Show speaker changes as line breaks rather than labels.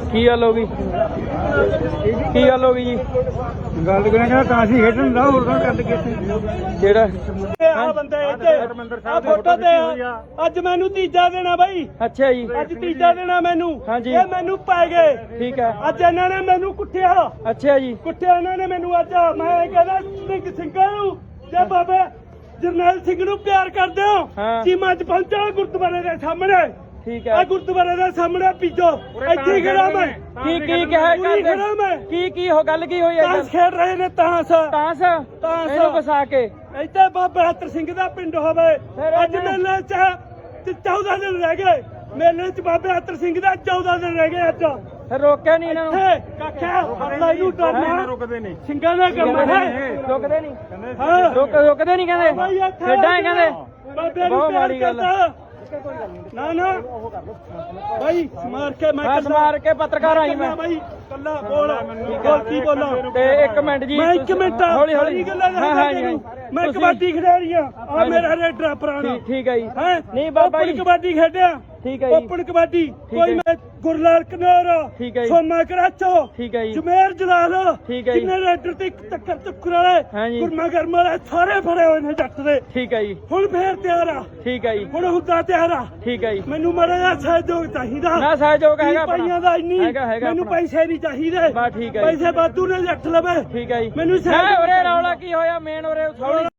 ਕੀ ਗੱਲ ਹੋ ਗਈ ਕੀ ਗੱਲ ਹੋ ਗਈ ਜੀ
ਗੱਲ ਕਰਾਂਗਾ ਤਾਂ ਅਸੀਂ ਖੇਡਣ ਦਾ ਹੋਰ ਗੱਲ ਕੀਤੀ
ਜਿਹੜਾ
ਆ ਬੰਦੇ ਇੱਥੇ ਆ ਫੋਟੋ ਤੇ ਅੱਜ ਮੈਨੂੰ ਤੀਜਾ ਦੇਣਾ ਬਾਈ
ਅੱਛਾ ਜੀ
ਅੱਜ ਤੀਜਾ ਦੇਣਾ ਮੈਨੂੰ
ਹਾਂਜੀ।
ਇਹ ਮੈਨੂੰ ਪੈ ਗਏ
ਠੀਕ ਹੈ
ਅੱਜ ਇਹਨਾਂ ਨੇ ਮੈਨੂੰ ਕੁੱਟਿਆ
ਅੱਛਾ ਜੀ
ਕੁੱਟਿਆ ਇਹਨਾਂ ਨੇ ਮੈਨੂੰ ਅੱਜ ਮੈਂ ਕਹਿੰਦਾ ਸਿੰਘ ਸਿੰਘਾਂ ਨੂੰ ਜੇ ਬਾਬਾ ਜਰਨੈਲ ਸਿੰਘ ਨੂੰ ਪਿਆਰ ਕਰਦੇ ਹੋ
ਹਾਂ।
ਚੀਮਾ ਚ ਪਹੁੰਚੋ ਗੁਰਦੁਆਰੇ ਦੇ ਸਾਹਮਣੇ
ਠੀਕ
ਆ
ਹੈ
ਗੁਰਦੁਆਰੇ ਦੇ ਸਾਹਮਣੇ ਪੀਜੋ ਇੱਥੇ ਹੀ ਖੜਾ ਮੈਂ
ਕੀ ਕਿਹਾ
ਪੂਰੀ ਖੜਾ ਮੈਂ
ਕੀ ਹੋ ਗੱਲ ਕੀ ਹੋਈ ਹੈ
ਤਾਂਸ ਖੇਡ ਰਹੇ ਨੇ ਤਾਂਸ
ਤਾਂਸ
ਤਾਂਸ।
ਇਹਨੂੰ ਵਸਾ ਕੇ
ਇੱਥੇ ਬਾਬਾ ਹਤਰ ਸਿੰਘ ਦਾ ਪਿੰਡ ਹੋਵੇ
ਫਿਰ
ਅੱਜ ਮੇਲੇ ਚ 14 ਦਿਨ ਰਹਿ ਗਏ ਮੇਲੇ ਚ ਬਾਬੇ ਹਤਰ ਸਿੰਘ ਦਾ 14 ਦਿਨ ਰਹਿ ਗਏ ਅੱਜ
ਫਿਰ ਰੋਕਿਆ ਨਹੀਂ ਇਹਨਾਂ ਨੂੰ
ਕਾਖਿਆ ਅੱਲਾ ਨੂੰ ਡਰਨਾ
ਰੁਕਦੇ ਨੇ
ਸਿੰਘਾਂ ਦਾ ਕੰਮ ਹੈ
ਰੁਕਦੇ ਨਹੀਂ
ਹਾਂ
ਰੁਕਦੇ ਨਹੀਂ ਕਹਿੰਦੇ ਖੇਡਾਂ ਹੀ ਕਹਿੰਦੇ
ਬਾਬੇ ਨੂੰ
ਬਹੁਤ
ਪਿਆਰ
ਮਾੜੀ ਗੱਲ
ਕਰਦਾ ਨਾ ਨਾ ਭਾਈ ਮਾਰ ਕੇ ਮੈਂ
ਬਸ ਮਾਰ ਕੇ ਪੱਤਰਕਾਰ ਆਈ ਮੈਂ
ਭਾਈ ਕੱਲਾ ਬੋਲ ਕੀ ਬੋਲਾਂ
ਤੇ 1 ਮਿੰਟ ਜੀ
ਮੈਂ 1 ਮਿੰਟ
ਹੌਲੀ ਹੌਲੀ
ਗੱਲਾਂ
ਹਾਂ ਹਾਂ ਜੀ
ਮੈਂ ਕਬੱਡੀ ਖਿਡਾਰੀ ਆ ਆ ਮੇਰਾ ਰੇਡਰ ਪੁਰਾਣਾ
ਠੀਕ ਹੈ ਜੀ
ਹੈ
ਨਹੀਂ ਬਾਬਾ ਜੀ
ਕਬੱਡੀ ਖੇਡਿਆ
ਠੀਕ ਹੈ ਜੀ
ਓਪਨ ਕਬੱਡੀ
ਹੈ।
ਕੋਈ ਮੈਂ ਗੁਰਲਾਲ ਕਨੌਰ
ਠੀਕ ਹੈ ਜੀ।
ਸੋਮਾ ਕਰਾਚੋ
ਠੀਕ ਹੈ ਜੀ
ਜਮੇਰ ਜਲਾਲ
ਠੀਕ ਹੈ ਜੀ।
ਕਿੰਨੇ ਰੇਡਰ ਤੇ ਟੱਕਰ ਚੱਕਰ ਵਾਲੇ
ਹਾਂਜੀ।
ਗੁਰਮਾ ਗਰਮ ਵਾਲੇ ਸਾਰੇ ਫੜੇ ਹੋਏ ਨੇ ਜੱਟ ਦੇ
ਠੀਕ ਹੈ ਜੀ
ਹੁਣ ਫੇਰ ਤਿਆਰ ਆ
ਠੀਕ ਹੈ ਜੀ
ਹੁਣ ਹੁੰਦਾ ਤਿਆਰ ਆ
ਠੀਕ ਹੈ ਜੀ
ਮੈਨੂੰ ਮਾੜਾ ਜਿਹਾ ਸਹਿਯੋਗ ਚਾਹੀਦਾ
ਨਾ ਸਹਿਯੋਗ ਹੈਗਾ ਆਪਣਾ।
ਪਾਈਆਂ ਦਾ ਇੰਨੀ
ਹੈਗਾ
ਮੈਨੂੰ
ਆਪਣਾ।
ਪੈਸੇ ਨਹੀਂ ਚਾਹੀਦੇ
ਬਸ ਠੀਕ ਹੈ ਜੀ।
ਪੈਸੇ ਵਾਧੂ ਨੇ ਜੱਟ ਲਵੇ
ਠੀਕ ਹੈ ਜੀ
ਮੈਨੂੰ
ਨਾ ਉਰੇ ਰੌਲਾ ਕੀ ਹੋਇਆ ਮੇਨ ਉਰੇ ਥੋੜੀ